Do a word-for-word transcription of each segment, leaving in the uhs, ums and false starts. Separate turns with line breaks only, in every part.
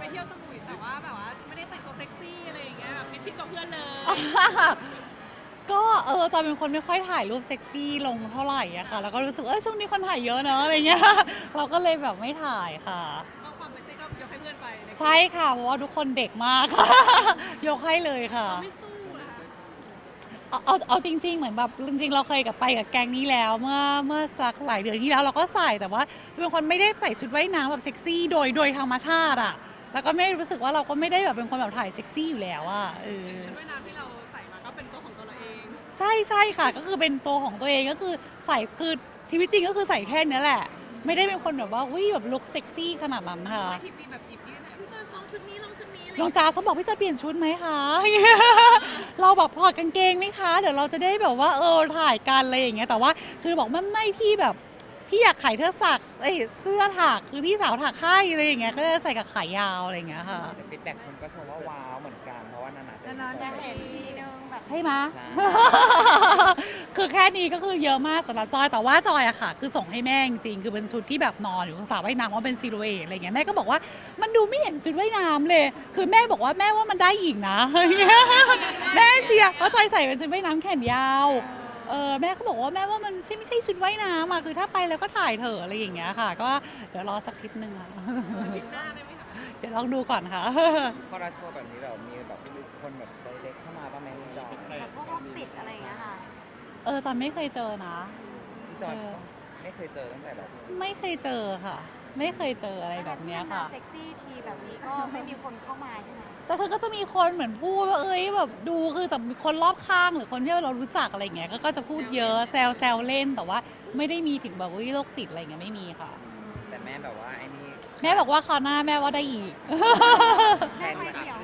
เที่ยวสมุยแต่ว่าแบบว่าไม่ได้แต่งตัวเซ็กซี่อะไรอย่างเงี้ยแบบมิดชิดกับเพื่อนเลย
ก็เออจอยเป็นคนไม่ค่อยถ่ายรูปเซ็กซี่ลงเท่าไหร่อะค่ะแล้วก็รู้สึกว่าเออช่วงนี้คนถ่ายเยอะเนอะอะไรเงี้ยเราก็เลยแบบไม่ถ่ายค่ะ
เอาความเป็นเซ็กก็ยกให้เพื่อนไปเลย
ใช่ค่ะเพราะว่าทุกคนเด็กมากค่ะยกให้เลยค่ะ
เราไม่สู้นะคะ
เอาเอาเอาจริงๆเหมือนแบบจริงๆเราเคยกับไปกับแก๊งนี้แล้วเมื่อเมื่อสักหลายเดือนที่แล้วเราก็ใส่แต่ว่าเป็นคนไม่ได้ใส่ชุดว่ายน้ำแบบเซ็กซี่โดยโดยธรรมชาติอะแล้วก็ไม่รู้สึกว่าเราก็ไม่ได้แบบเป็นคนแบบถ่ายเซ็กซี่อยู่แล้วอะเออ
ชุดว่ายน้ำที่เราใส่มาก็เป็นตัวของตัวเราเอง
ใช่ใช่ค่ะก็คือเป็นตัวของตัวเองก็คือใส่คือชีวิตจริงก็คือใส่แค่นี้แหละไม่ได้เป็นคนแบบว่าวิแบบลุคเซ็กซี่ขนาดนั้นค่ะ
ไม่ทิปมีแบบหยิบยืนพี่จอยลองชุดนี้ลองชุดนี้อะไร
น้องจ้าเขาบอกพี่จะเปลี่ยนชุดไหมคะ เราแบบถอดกางเกงไหมคะเดี๋ยวเราจะได้แบบว่าเออถ่ายกันอะไรอย่างเงี้ยแต่ว่าคือบอกไม่ไม่พี่แบบพี่อยากขายเสื้อสักเอ้ยเสื้อถักคือพี่สาวถักให้อะไรอย่างเงี้ยก็จะใส่กับขายาวอะไรอย่างเงี้ยค่ะ
แต่ฟีดแบ็กคนก็ชมว่าว้าวเหมือนกันเพราะว่านานๆจะ
นานๆ
เจ
จะ
อ
เห็น
ทีนึงแบบ
ใช่ไหม
ใช่
คือแค่นี้ก็คือเยอะมากสำหรับจอยแต่ว่าจอยอะค่ะ คือส่งให้แม่จริงๆคือเป็นชุดที่แบบนอนอยู่ตรงสระว่ายน้ำว่าเป็นซิลูเอตอะไรเงี้ยแม่ก็บอกว่ามันดูไม่เห็นชุดว่ายน้ำเลย คือแม่บอกว่าแม่ว่ามันได้อีกนะ แม่เชียร์เพราะจอยใส่เป็นชุดว่ายน้ำแขนยาวเออแม่ก็บอกว่าแม่ว่ามันใช่ไม่ใช่ชุดว่ายน้ำอะคือถ้าไปแล้วก็ถ่ายเถอะอะไรอย่างเงี้ยค่ะ ก็เดี๋ยวรอสักทิศหนึ่งอะ
ปิดหน้าได้ไหมคะ
เดี๋ยวลองดูก่อนค่ะ
พอเราโชว์แบบนี้แบบมีแบบคนแบบไดเรกเข้ามาบ้างไหมพี่จอย
แบบพวกโรคจิตอะไรอย่างเงี้ยค่ะ
เออจอยไม่เคยเจอนะ
พี่จอย
เออ
ไม่เคยเจอตั้งแต่แบบ
ไม่เคยเจอค่ะ ไม่เคยเจออะไรแบบเนี้ยค่ะ
เซ็กซี่ทีแบบนี้ก็ไม่มีคนเข้ามาใช่ไหม
แต่คือก็จะมีคนเหมือนพูดว่าเอ้ยแบบดูคือแต่มีคนรอบข้างหรือคนที่เรารู้จักอะไรเงี้ยก็ก็จะพูดเยอะแซวแซวเล่นแต่ว่าไม่ได้มีถึงแบบว่าโรคจิตอะไรเงี้ยไม่มีค่ะ
แต่แม่แบบว่าไอ้นี่
แม่บอกว่าคราวหน้าแม่ว่าได้อีก
แทน
ไม่เกี่ยว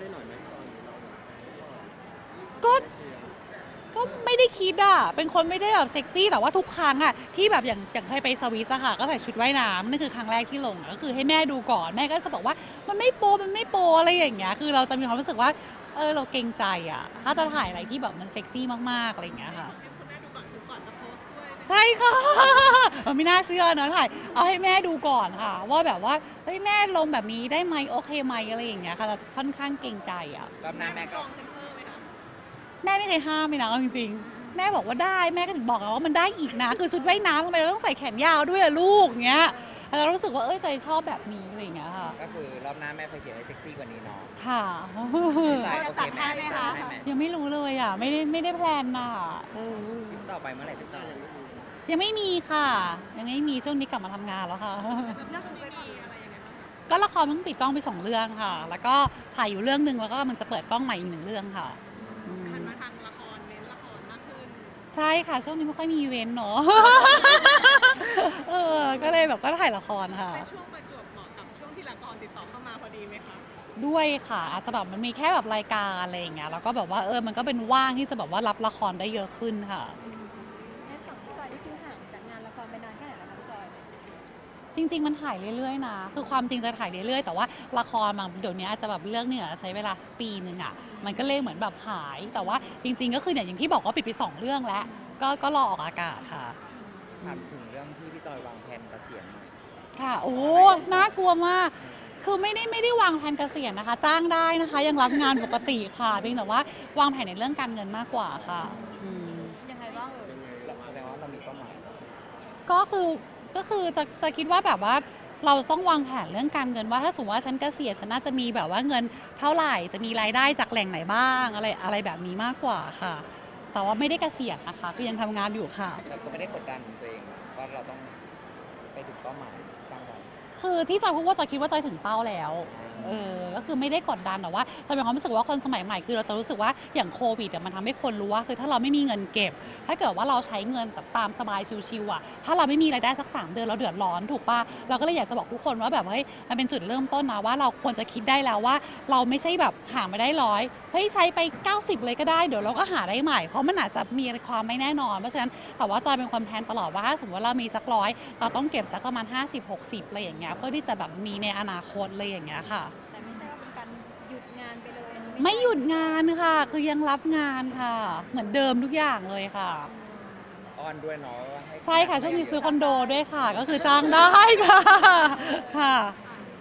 ก็ก็ไม่ได้คิดอ่ะเป็นคนไม่ได้แบบเซ็กซี่แต่ว่าทุกครั้งอ่ะที่แบบอย่างอย่างเคยไปสวิสอะค่ะก็ใส่ชุดว่ายน้ำนั่นคือครั้งแรกที่ลงอะก็คือให้แม่ดูก่อนแม่ก็จะบอกว่ามันไม่โปมันไม่โปอะไรอย่างเงี้ยคือเราจะมีความรู้สึกว่าเออเราเกรงใจอ่ะถ้าจะถ่ายอะไรที่แบบมันเซ็กซี่มากๆอะไรอย่างเงี้ยค่ะ
ให้คุณแม่ดูก่อนคือก่อนจะโพสต์ด้วย
ใช่ค่ะ เออไม่น่าเชื่อเนอะถ่ายเอาให้แม่ดูก่อนค่ะ ว่าแบบว่าเฮ้ยแม่ลงแบบนี้ได้ไหมโอเคไหมอะไรอย่างเงี้ยค่ะเราจะค่อนข้างเกรงใจอ่ะ
รอบหน้าแม่ก็
ลองเซ็นเซอร์ไหมคะ
แม่ไม่เคยห้ามเลยนะเอาจริงๆแม่บอกว่าได้แม่ก็ถึงบอกแล้วว่ามันได้อีกนะ คือชุดว่ายน้ำทำไมเราต้องใส่แขนยาวด้วยอะลูกเงี้ยแต่เรารู้สึกว่าเอ้ยใจชอบแบบนี้อะไรอย่างเงี้ยค่ะ
ก็คือรอบหน้าแม่เคยเขียนให้เซ็กซี่กว่านี้เนาะ
ค่ะ
พี่จอย
จะ
โอ
จั
เค
ด
ไหม
ให้ไหมคะ
ให้ไหม
ยังไม่รู้เลยอ่ะไม่ได้ไม่ได้แพลนน่ะเออ
คลิปต่อไปเมื่อไหร่พี่จอย
ยังไม่มีค่ะ ยังไม่มีช่วงนี้กลับมาทำงานแล้วค่ะ
เลือกชุดไว้ก่อน
อะไรยังไงบ้างคะ
ก็ละครเพิ่งปิดกล้องไปสองเรื่องค่ะ แล้วก็ถ่ายอยู่เรื่องหนึ่งแล้วก็มันจะเปิดกล้องใหม่อีกหนึ่งเรื่องค่ะอืม
หันมาทางละครเน้นละครมากขึ้น
ใช่ค่ะ ช่วงนี้ไม่ค่อยมีอีเวนต์เนาะ เออ ก็เลยแบบก็ถ่ายละครค่ะ
ใช้ช่วงประจวบเหมาะกับช่วงที่ละครติดต่อเข้ามาพอดีไหมคะ
ด้วยค่ะ อาจจะแบบมันมีแค่แบบรายการอะไรอย่างเงี้ย แล้วก็แบบว่าเออ มันก็เป็นว่างที่จะแบบว่ารับละครได้เยอะขึ้นค่ะ
ในฝั่งพี่จอยนี่คือห่างจากงานละครไปนานแค่ไหนแล้วคะพี่จอย
จริง ๆ มันถ่ายเรื่อยๆนะ คือความจริงจะถ่ายเรื่อยๆ แต่ว่าละครบางเดี๋ยวนี้อาจจะแบบเรื่องเนี่ยใช้เวลาสักปีหนึ่งอ่ะ มันก็เลยเหมือนแบบหาย แต่ว่าจริง ๆ ก็คือเนี่ยอย่างที่บอกว่าปิดไปสองเรื่องแล้ว ก็ก็รอออกอากาศค่ะ
ถามถึงเรื่องที่พี่จอยวางแผนเกษียณหน่อย
ค่ะ โอ้ น่ากลัวมาก คือไม่ได้ไม่ได้วางแผนเกษียณนะคะ จ้างได้นะคะ ยังรับงานปกติค่ะ เพียงแต่ว่าวางแผนในเรื่องการเงินมากกว่าค่ะอืม
ยังไงบ้างเอ่ย
แสดงว่าเรามีเป้าหมาย
ก็คือก็คือจะจะคิดว่าแบบว่าเราต้องวางแผนเรื่องการเงินว่าถ้าสมมติว่าฉันเกษียณฉันน่าจะมีแบบว่าเงินเท่าไหร่จะมีรายได้จากแหล่งไหนบ้างอะไรอะไรแบบนี้มากกว่าค่ะ แต่ว่าไม่ได้เกษียณนะคะก็ยังทำงานอยู่ค่ะ
แต่ก็ไม่ได้กดดันตัวเองว่าเราต้องไปถึงเป้าหมายตั้งไว้
คือที่จอยพูดว่าจอยคิดว่าจอยถึงเป้าแล้ว เออ ก็คือไม่ได้กดดันแต่ว่าจอยมีความรู้สึกว่าคนสมัยใหม่คือเราจะรู้สึกว่าอย่างโควิดอะมันทำให้คนรู้ว่าคือถ้าเราไม่มีเงินเก็บ ถ้าเกิดว่าเราใช้เงินแบบตามสบายชิวๆอะถ้าเราไม่มีรายได้สักสามเดือนเราเดือดร้อนถูกปะเราก็เลยอยากจะบอกทุกคนว่าแบบเฮ้ยมันเป็นจุดเริ่มต้นนะว่าเราควรจะคิดได้แล้วว่า เราไม่ใช่แบบหามาได้ร้อยเฮ้ยใช้ไปเก้าสิบเลยก็ได้เดี๋ยวเราก็หาได้ใหม่เพราะมันอาจจะมีความไม่แน่นอนเพราะฉะนั้นแต่ว่าจอยเป็นคนแพลนตลอดว่าถ้าสมมติว่าเรามีสักร้อยเราต้องเก็บสักประมาณห้าสิบ หกสิบอะไรอย่างเงี้ยเพื่อที่จะแบบมีในอนาคตเลยอย่างเงี้ยค่ะ
แต่ไม่ใช่ว่าเป็นการหยุดงานไปเลยอันนี้
ไม่
ใช่
หยุดงานค่ะ คือยังรับงานค่ะ เหมือนเดิมทุกอย่างเลยค่ะ
อ้อนด้วยเนาะว่าห้
ใช่ค่ะ ช่วงนี้ซื้อคอนโดด้วยค่ะ ก็คือจ้างได้ค่ะ ค่ะ
อ่